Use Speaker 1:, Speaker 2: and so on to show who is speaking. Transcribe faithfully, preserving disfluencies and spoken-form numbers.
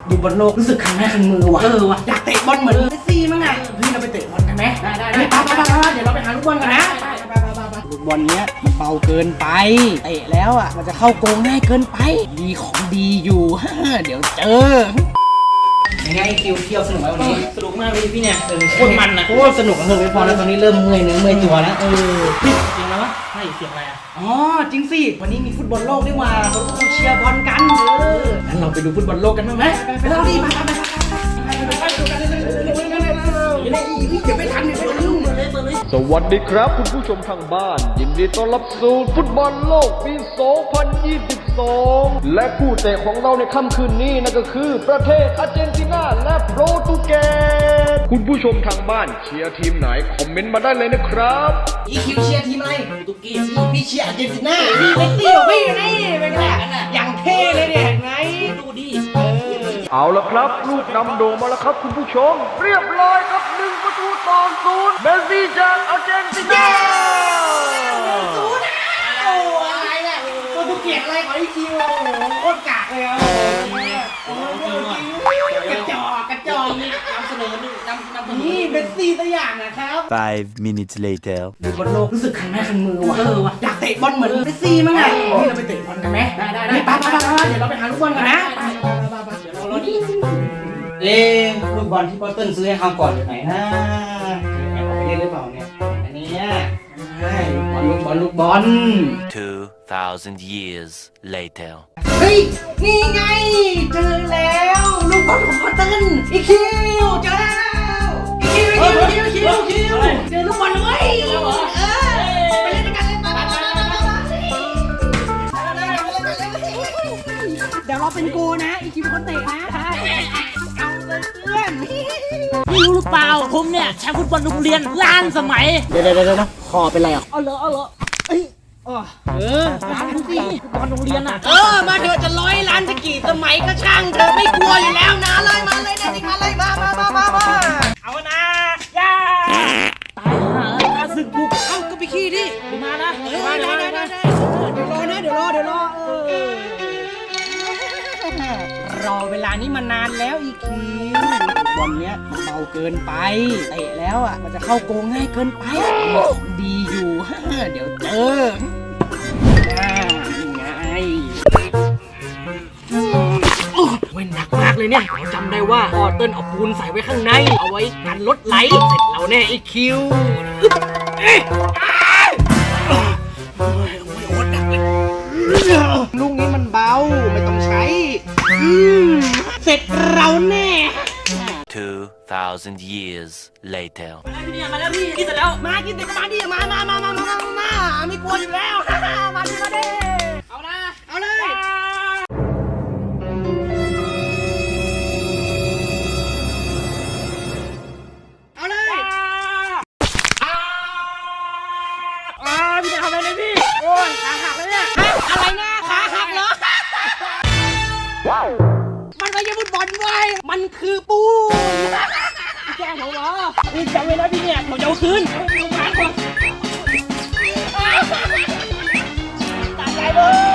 Speaker 1: ดูบอลโลกรู้สึกคันแม่คันมือว่ะเออว่ะอยากเตะบอลเหมือนเมสซี่มั้งไงเฮ้ยเราไปเตะบอลกันไหมได้ได้ได้ไปไปไปเดี๋ยวเราไปหาลูกบอลกันนะลูกบอลเนี้ยมันเบาเกินไปเตะแล้วอ่ะมันจะเข้าโกงง่ายเกินไปมีของดีอยู่เดี๋ยวเจอยังไงคิวเที่ยวสนุกไหมวันนี้สนุกมากเลยพี่เนี่ยโคตรมันนะโคตรสนุกเออไม่พอแล้วตอนนี้เริ่มเมื่อยเนื้อเมื่อยตัวแล้วเออพี่เสียงอะไรวะใช่เสียงอะไรอ่ะอ๋อจริงสิวันนี้มีฟุตบอลโลกด้วยว่ะเขาก็เชียร์บอลกันเอองั้นเราไปดูฟุตบอลโลกกันบ้างไหมไปเราดิมาไปไปไปดูกันเลยเดี๋ยวไม่ทันเดี๋ยวไม่ทัน
Speaker 2: สวัสดีครับคุณผู้ชมทางบ้านยินดีต้อนรับสู่ฟุตบอลโลกปี สองพันยี่สิบสอง และคู่เตะของเราในค่ำคืนนี้นั่นก็คือประเทศอาร์เจนตินาและโปรตุเกสคุณผู้ชมทางบ้านเชียร์ทีมไหนคอมเมนต์มาได้เลยนะครับ
Speaker 1: อีคิวเชียร์ทีมอะไรโปรตุเกสพี่เชียร์อาร์เจนตินาพี่เมสซี่ของพี่นี่เป็นไงอย่างเท่เลยเนี่ยเห็นไหมดูดิ
Speaker 2: เอาละครับลูกนำโด่งมาแล้วครับคุณผู้ชมเรียบร้อยครับหนึ่งประตูต่อศูนย์เมสซี่จากอาร์เจนตินา
Speaker 1: ศูนย์โอ้อะไรเนี่ยโปรตุเกสอะไรของอีคิวโอ้โหโคตรกากเลยอ่ะโอ้โหกระจอกกระจอกนี่นำเสนอนี่นำนำนี่เมสซี่ตัวอย่างนะครับ
Speaker 3: Five minutes later
Speaker 1: ดูบอลโลกรู้สึกคันแม่คันมือว่ะเออว่ะอยากเตะบอลเหมือนเมสซี่มั้งไงนี่เราไปเตะบอลกันไหมได้ได้ได้ไปไปไปเดี๋ยวเราไปหาลูกบอลกันนะไปไปไปไปเดี๋ยวเราเราดิเอ๊ะลูกบอลที่ปอเติ้ลซื้อให้เขาก่อนอยู่ไหนนะแอบเอาไปเล่นหรือเปล่าเนี่ยอันนี้ใช่ลูกบอลลูกบอล
Speaker 3: Two thousand years later
Speaker 1: เฮ้ยนี่ไงเจอแล้วลูกบอลของปอเติ้ลอีคิวเจอแล้วอีคิวอีคิวอีคิวอีคิวเจอลูกบอลเลยเออไปเล่นกันเลยมาเดี๋ยวเราเป็นโกนะอีคิวเป็นคนเตะนะเอาเลยเพื่อน
Speaker 4: ไม่รู้หรือเปล่าผมเนี่ยแชมป์ฟุตบอลโรงเรียนล้านสมัย
Speaker 1: เดี๋ยวเดี๋ยวเดี๋ยวคอเป็นไรอ่ะ
Speaker 4: เอาเหรอเอาเหรอเอ้ยเออล้านสิฟุตบอลโรงเรียนอ่ะ
Speaker 1: เออมาเถอะจะร้อยล้านจะกี่สมัยก็ช่างเธอไม่กลัวอยู่แล้วนะเลยมาเลยนะนี่มาเลยมามามามามาเอานะย่า
Speaker 4: ตายห่าข้าศึกบุก
Speaker 1: เอ้าก็ไปขี้ดิ
Speaker 4: ไปมานะ
Speaker 1: เออได้ได้ได้ได้เดี๋ยวรอนะเดี๋ยวรอเดี๋ยวรอเออรอเวลานี้มานานแล้วอีคิวบอลเนี้ยมันเบาเกินไปเตะแล้วอ่ะมันจะเข้าโกงง่ายเกินไปดีอยู่เดี๋ยวเจอนี่ไงเว้นหนักมากเลยเนี่ยจำได้ว่าพอเติ้ลเอาปูนใส่ไว้ข้างในเอาไว้กันรถไหลเสร็จแล้วแน่อีคิวลูกนี้มันเบาไม่ต้องใช้เสร็จเราแน่
Speaker 3: Two thousand years later
Speaker 4: พี่เนี่ยมาแล้วพี่กินเสร็จแล้ว
Speaker 1: มากินเด็กมาดิมามามามามามาไม่กลัวอยู่แล้วมาดิมาดิเอานะเอาเลยเอาเลย
Speaker 4: อ่าพี่จะทำอะไรเนี่ยพี่โอ้ยขาหักเลยเนี่ย
Speaker 1: อะไรนะขาหักเหรอมันไม่ใช่ฟุตบอลเว้ยมันคือปูน
Speaker 4: แกล้งผมเหรอพี่จำไว้นะพี่เนี่ยผมจะเอาคืน
Speaker 1: ตายใจเลย